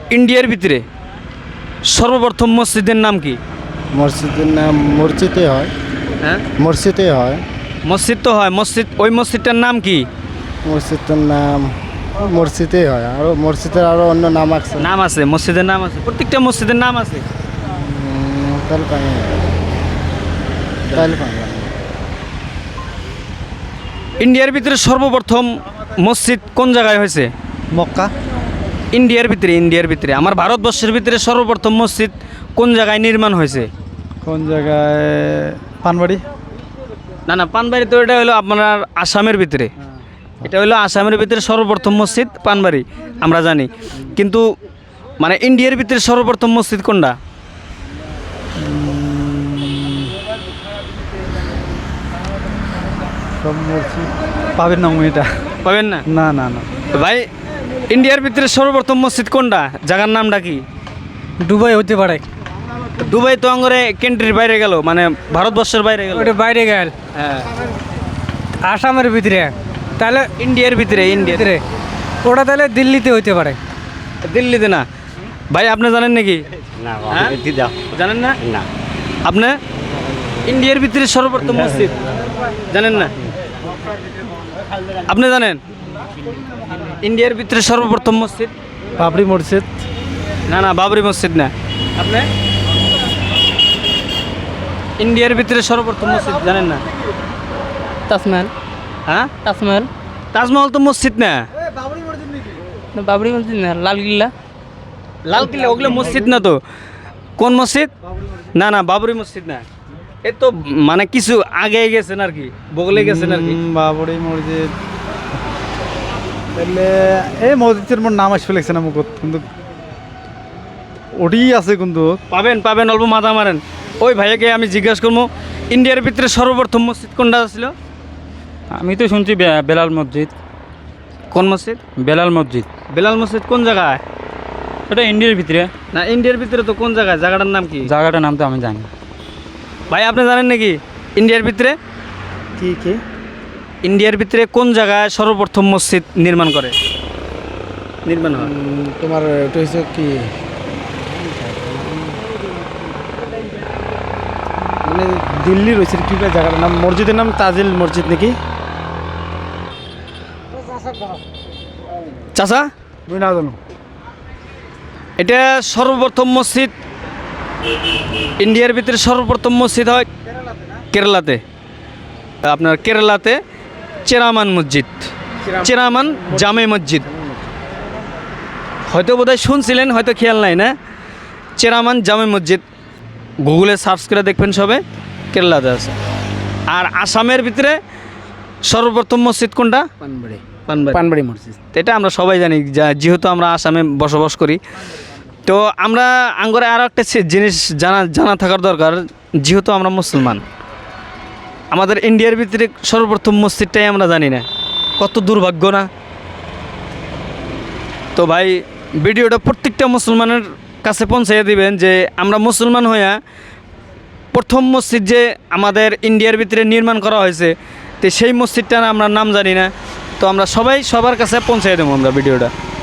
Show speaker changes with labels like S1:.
S1: ইন্ডিয়ার ভিতরে সর্বপ্রথম মসজিদের নাম কি?
S2: মসজিদের নাম মসজিদে হয়।
S1: হ্যাঁ,
S2: মসজিদে হয়।
S1: মসজিদ তো হয়, মসজিদ, ওই মসজিদটার নাম কি?
S2: মসজিদের নাম মসজিদে হয়, আরও মসজিদের আরও অন্য নাম আছে।
S1: নাম আছে, মসজিদের নাম আছে, প্রত্যেকটা মসজিদের নাম আছে।
S2: তাহলে পানি তাহলে পানি
S1: ইন্ডিয়ার ভিতরে সর্বপ্রথম মসজিদ কোন জায়গায় হয়েছে?
S2: মক্কা।
S1: ইন্ডিয়ার ভিতরে আমার ভারতবর্ষের ভিতরে সর্বপ্রথম মসজিদ কোন জায়গায় নির্মাণ হয়েছে?
S2: কোন জায়গায়? পানবাড়ি।
S1: না না, পানবাড়ি তো এটা হলো আপনার আসামের ভিতরে, এটা হলো আসামের ভিতরে সর্বপ্রথম মসজিদ পানবাড়ি আমরা জানি, কিন্তু মানে ইন্ডিয়ার ভিতরে সর্বপ্রথম মসজিদ কোনটা?
S2: সব মসজিদ পাবেন না এটা।
S1: পাবেন না?
S2: না না না।
S1: তো ভাই, ইন্ডিয়ার ভিতরে সর্বপ্রথম মসজিদ কোনটা? জায়গার নামটা কি?
S2: দুবাই হতে পারে।
S1: দুবাই তো আঙ্গরে কান্ট্রির বাইরে গেল, মানে ভারতবর্ষের বাইরে গেল।
S2: ওটা বাইরে গেল।
S1: হ্যাঁ,
S2: আসামের ভিতরে। তাহলে
S1: ইন্ডিয়ার ভিতরে, ইন্ডিয়ার
S2: ভিতরে ওটা তাহলে দিল্লিতে হইতে পারে।
S1: দিল্লিতে না। ভাই আপনি জানেন নাকি?
S2: না
S1: হ্যাঁ? জানেন না?
S2: না।
S1: আপনি ইন্ডিয়ার ভিতরে সর্বপ্রথম মসজিদ জানেন না? আপনি জানেন ইন্ডিয়ার ভিতরে সর্বপ্রথম মসজিদ?
S2: বাবরি মসজিদ।
S1: না না, বাবরি মসজিদ না। আপনি ইন্ডিয়ার ভিতরে সর্বপ্রথম মসজিদ জানেন না?
S3: তাজমহল।
S1: হ্যাঁ,
S3: তাজমহল।
S1: তাজমহল তো মসজিদ না।
S3: না, বাবরি মসজিদ না, লালকিল্লা।
S1: লালকিল্লা ওগুলো মসজিদ না তো। কোন মসজিদ? না না, বাবরি মসজিদ না। এ তো মানে কিছু আগে গেছেন আর কি, বগলে গেছেন আর কি।
S2: বাবরি মসজিদ। তাহলে এই মসজিদের মোর নাম আসবে লাগছে না মুখ, কিন্তু ওটি আছে কিন্তু।
S1: পাবেন পাবেন, অল্প মাথা মারেন। ওই ভাইয়াকে আমি জিজ্ঞাসা করবো ইন্ডিয়ার ভিতরে সর্বপ্রথম মসজিদ কোনটা ছিল?
S4: আমি তো শুনছি বেলাল মসজিদ।
S1: কোন মসজিদ?
S4: বেলাল মসজিদ।
S1: বেলাল মসজিদ কোন জায়গায়?
S4: ওটা ইন্ডিয়ার ভিতরে।
S1: না, ইন্ডিয়ার ভিতরে তো কোন জায়গায়? জায়গাটার নাম কি?
S4: জায়গাটার নাম তো আমি জানি।
S1: ভাই আপনি জানেন নাকি ইন্ডিয়ার ভিতরে?
S2: কি কি?
S1: ইন্ডিয়ার ভিতরে কোন জায়গায় সর্বপ্রথম মসজিদ নির্মাণ হয়?
S2: তোমার ওটা হচ্ছে কি, মানে দিল্লি রয়েছে কি জায়গাটার নাম? মসজিদের নাম তাজিল মসজিদ নাকি?
S1: চাচা,
S2: আমি না জানো।
S1: এটা সর্বপ্রথম মসজিদ ইন্ডিয়ার ভিতরে সর্বপ্রথম মসজিদ হয় কেরালাতে। আপনার কেরালাতে চেরামান মসজিদ, চেরামান জামে মসজিদ। হয়তো বোধহয় শুনছিলেন, হয়তো খেয়াল নাই না? চেরামান জামে মসজিদ গুগলে সার্চ করে দেখবেন সবে, কেরালাতে আছে। আর আসামের ভিতরে সর্বপ্রথম মসজিদ কোনটা?
S2: পানবাড়ি।
S1: পানবাড়ি
S2: মসজিদ।
S1: এটা আমরা সবাই জানি, যেহেতু আমরা আসামে বসবাস করি। তো আমরা আঙ্গরে আরও একটা জিনিস জানা থাকার দরকার, যেহেতু আমরা মুসলমান, আমাদের ইন্ডিয়ার ভিতরে সর্বপ্রথম মসজিদটাই আমরা জানি না। কত দুর্ভাগ্য না? তো ভাই, ভিডিওটা প্রত্যেকটা মুসলমানের কাছে পৌঁছাইয়া দিবেন যে আমরা মুসলমান হইয়া প্রথম মসজিদ যে আমাদের ইন্ডিয়ার ভিতরে নির্মাণ করা হয়েছে, তো সেই মসজিদটার আমরা নাম জানি না। তো আমরা সবাই সবার কাছে পৌঁছাই দেবো আমরা ভিডিওটা।